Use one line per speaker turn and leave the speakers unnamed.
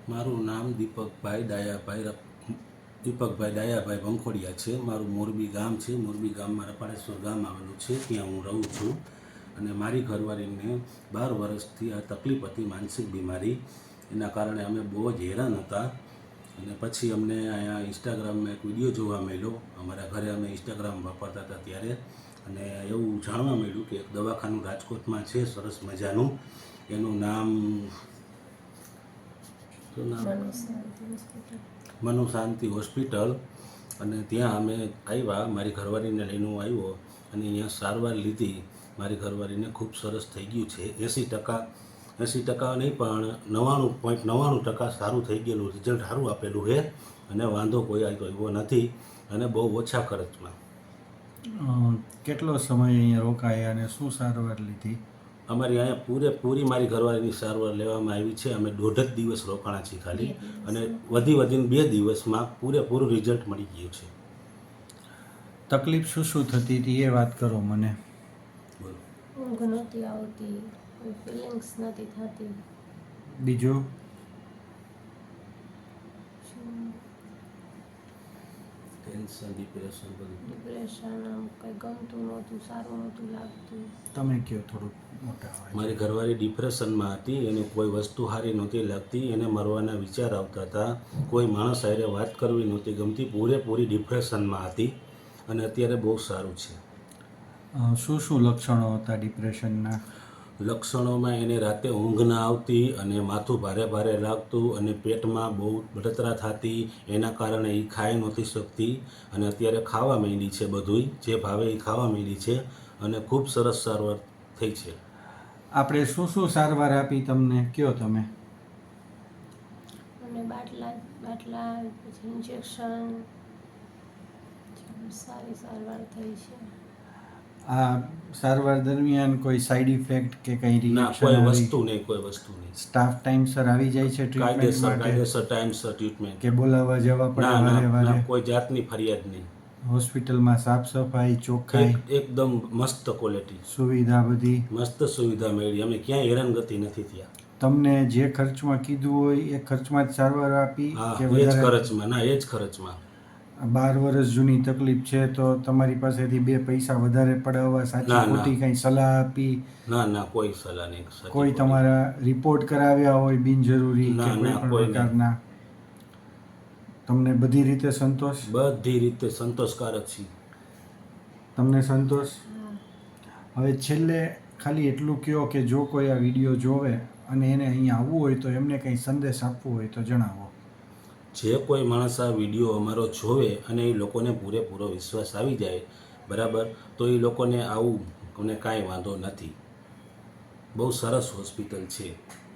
મારું નામ દીપકભાઈ ડાયાભાઈ વંખોડિયા છે। મારું મોરબી ગામ છે। મોરબી ગામમાં રપાળેશ્વર ગામ આવેલું છે, ત્યાં હું રહું છું। અને મારી ઘરવાળીને 12 વર્ષથી આ તકલીફ હતી, માનસિક બીમારી। એના કારણે અમે બહુ જ હેરાન હતા। અને પછી અમને અહીંયા ઇન્સ્ટાગ્રામમાં એક વિડીયો જોવા મળ્યો। અમારા ઘરે અમે ઇન્સ્ટાગ્રામ વાપરતા હતા ત્યારે, અને એવું જાણવા મળ્યું કે એક દવાખાનું રાજકોટમાં છે સરસ મજાનું, એનું નામ મનુ શાંતિ હોસ્પિટલ। અને ત્યાં અમે આવ્યા, મારી ઘરવાળીને લઈને હું આવ્યો અને અહીંયા સારવાર લીધી। મારી ઘરવાળીને ખૂબ સરસ થઈ ગયું છે। 80% નહીં પણ 99.99% સારું થઈ ગયેલું, રિઝલ્ટ સારું આપેલું છે અને વાંધો કોઈ આવ્યો નથી, અને બહુ ઓછા ખર્ચમાં।
કેટલો સમય અહીંયા રોકાયા અને શું સારવાર લીધી?
અમારી અહીંયા પૂરેપૂરી મારી ઘરવાળીની સારવાર લેવામાં આવી છે। અમે 1.5 દિવસ રોકાણા છીએ ખાલી, અને વધીને 2 દિવસમાં પૂરેપૂરું રિઝલ્ટ મળી ગયું છે।
તકલીફ શું થતી હતી એ વાત કરો મને।
ઊંઘ નહોતી આવતી, ફિલિંગ્સ નથી થતી।
બીજું?
ટેન્શન, ડિપ્રેશન,
આમ કંઈ ગમતું નહોતું, સારું નહોતું લાગતું।
તમે કહો થોડુંક મોટા હોય।
મારી ઘરવાળી ડિપ્રેશનમાં હતી, એને કોઈ વસ્તુ સારી નહોતી લાગતી, એને મરવાના વિચાર આવતા હતા, કોઈ માણસ સાથે વાત કરવી નહોતી ગમતી, પૂરેપૂરી ડિપ્રેશનમાં હતી, અને અત્યારે બહુ સારું છે।
શું લક્ષણો હતા ડિપ્રેશનના?
લક્ષણોમાં એને રાતે ઊંઘ ના આવતી, અને માથું ભારે ભારે લાગતું, અને પેટમાં બહુ બળતરા થતી, એના કારણે એ ખાઈ નહોતી શકતી, અને અત્યારે ખાવા માંડી છે, બધુંય જે ભાવે એ ખાવા માંડી છે, અને ખૂબ સરસ સારવાર થઈ છે।
આપણે શું સારવાર આપી તમને, કયો તમે?
અને બાટલા પછી ઇન્જેક્શન, સારી સારવાર થઈ છે।
આ સારવાર દરમિયાન કોઈ સાઈડ ઇફેક્ટ કે કંઈ
ના, કોઈ વસ્તુ નહીં।
સ્ટાફ ટાઈમસર આવી જાય છે ટ્રીટમેન્ટ માટે?
કાયદેસર ટાઈમસર ટ્રીટમેન્ટ।
કે બોલાવવા જવા પડે વારે વારે?
કોઈ જાતની ફરિયાદ નહીં।
હોસ્પિટલમાં સાફ સફાઈ, ચોખ્ખાઈ
એકદમ મસ્ત ક્વોલિટી,
સુવિધા બધી
મસ્ત સુવિધા મળી। અમે ક્યાંય હેરાનગતિ નથી થયા।
તમને જે ખર્ચમાં કીધું હોય એ ખર્ચમાં જ સારવાર આપી કે
એ જ ખર્ચમાં? ના, એ જ ખર્ચમાં।
12 વર્ષ જૂની તકલીફ છે તો તમારી પાસેથી 2 પૈસા વધારે પડાવવા સાચી ખોટી કંઈ સલાહ આપી?
ના, કોઈ સલાહ નહીં।
કોઈ તમારા રિપોર્ટ કરાવ્યા હોય બિનજરૂરી કે કોઈ પણ પ્રકારના? તમને બધી રીતે સંતોષ?
બધી રીતે સંતોષકારક છે।
તમને સંતોષ? હવે છેલ્લે ખાલી એટલું કહો કે જો કોઈ આ વિડીયો જોવે અને એને અહીંયા આવવું હોય તો એમને કંઈ સંદેશ આપવો હોય તો જણાવો।
જે કોઈ માણસ આ વિડીયો અમારો જોવે અને એ લોકોને પૂરેપૂરો વિશ્વાસ આવી જાય, બરાબર, તો એ લોકોને આવું અને કાંઈ વાંધો નથી। બહુ સરસ હોસ્પિટલ છે।